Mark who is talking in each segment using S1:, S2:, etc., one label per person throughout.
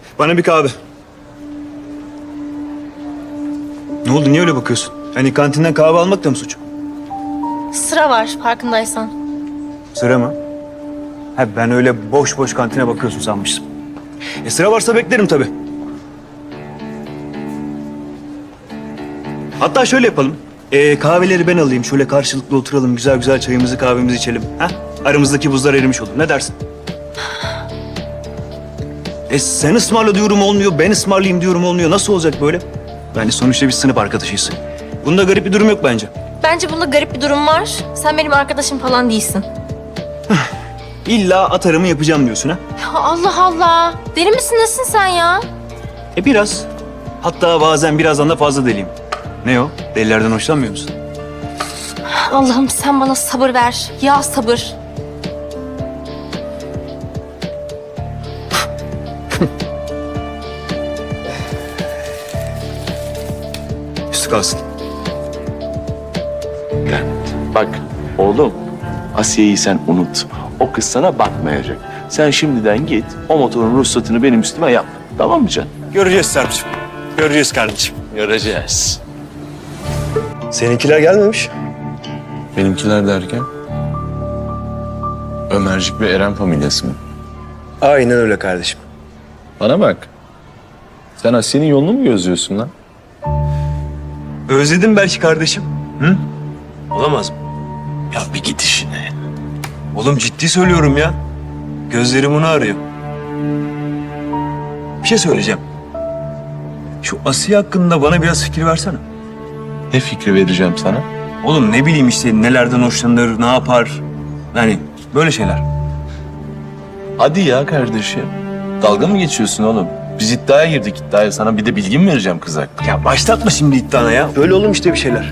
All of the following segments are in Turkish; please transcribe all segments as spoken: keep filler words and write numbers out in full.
S1: Bana bir kahve. Ne oldu? Niye öyle bakıyorsun? Hani kantinden kahve almak da mı suç?
S2: Sıra var farkındaysan.
S1: Sıra mı? Ha, ben öyle boş boş kantine bakıyorsun sanmıştım. E sıra varsa beklerim tabii. Hatta şöyle yapalım. E, kahveleri ben alayım. Şöyle karşılıklı oturalım. Güzel güzel çayımızı kahvemizi içelim. Ha? Aramızdaki buzlar erimiş olur. Ne dersin? E sen ısmarla diyorum olmuyor. Ben ısmarlayayım diyorum olmuyor. Nasıl olacak böyle? Yani sonuçta biz sınıf arkadaşıyız. Bunda garip bir durum yok bence.
S2: Bence bunda garip bir durum var. Sen benim arkadaşım falan değilsin.
S1: İlla atarımı yapacağım diyorsun ha?
S2: Ya Allah Allah. Deli misin nesin sen ya?
S1: E biraz. Hatta bazen birazdan da fazla deliyim. Ne o? Delilerden hoşlanmıyor musun?
S2: Allah'ım sen bana sabır ver. Ya sabır.
S1: Üstü kalsın.
S3: Gel. Bak oğlum, Asiye'yi sen unut. O kız sana bakmayacak. Sen şimdiden git, o motorun ruhsatını benim üstüme yap. Tamam mı canım?
S1: Göreceğiz Sarp'cığım. Göreceğiz kardeşim.
S3: Göreceğiz.
S1: Seninkiler gelmemiş.
S4: Benimkiler derken? Ömercik ve Eren familyası mı?
S1: Aynen öyle kardeşim.
S4: Bana bak. Sen Asiye'nin yolunu mu gözlüyorsun lan?
S1: Özledim belki kardeşim. Hı? Olamaz mı?
S3: Ya bir git işine.
S1: Oğlum ciddi söylüyorum ya. Gözlerim onu arıyor. Bir şey söyleyeceğim. Şu Asiye hakkında bana biraz fikir versene.
S4: Ne fikri vereceğim sana?
S1: Oğlum ne bileyim işte nelerden hoşlanır, ne yapar. Yani böyle şeyler.
S4: Hadi ya kardeşim. Dalga mı geçiyorsun oğlum? Biz iddiaya girdik iddiaya. Sana bir de bilgi mi vereceğim kız hakkında?
S1: Ya başlatma şimdi iddiana ya. Böyle oğlum işte bir şeyler.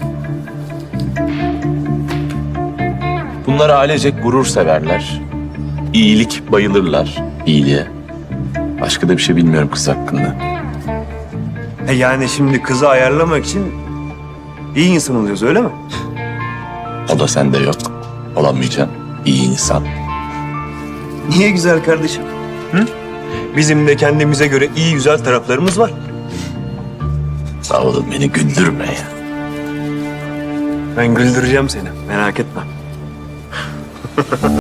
S4: Bunlar ailecek gurur severler. İyilik bayılırlar. İyiliğe. Başka da bir şey bilmiyorum kız hakkında.
S1: E yani şimdi kızı ayarlamak için iyi insan oluyoruz öyle mi?
S4: O da sende yok. Olamayacaksın. İyi insan.
S1: Niye güzel kardeşim? Hı? Bizim de kendimize göre iyi güzel taraflarımız var.
S4: Sağ olun, beni güldürme ya.
S1: Ben güldüreceğim seni merak etme.